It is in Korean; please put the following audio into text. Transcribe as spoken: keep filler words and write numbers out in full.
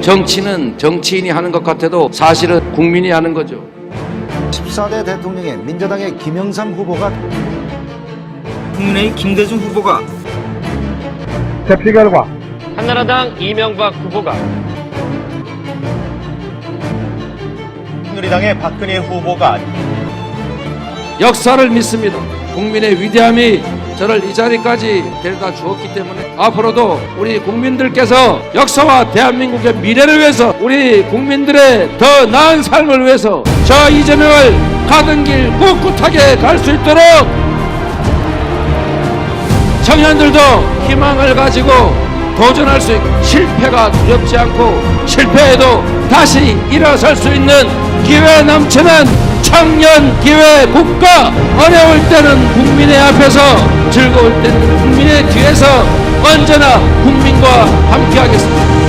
정치는 정치인이 하는 것 같아도 사실은 국민이 하는 거죠. 십사 대 대통령에 민주당의 김영삼 후보가, 국민의 김대중 후보가, 대표 결과 한나라당 이명박 후보가, 새누리당의 박근혜 후보가 역사를 믿습니다. 국민의 위대함이 저를 이 자리까지 데려다 주었기 때문에 앞으로도 우리 국민들께서 역사와 대한민국의 미래를 위해서, 우리 국민들의 더 나은 삶을 위해서 저 이재명을 가던 길 꿋꿋하게 갈 수 있도록 청년들도 희망을 가지고 도전할 수 있고, 실패가 두렵지 않고 실패해도 다시 일어설 수 있는 기회 넘치는 청년 기회 국가, 어려울 때는 국민의 앞에서, 즐거울 때는 국민의 뒤에서 언제나 국민과 함께하겠습니다.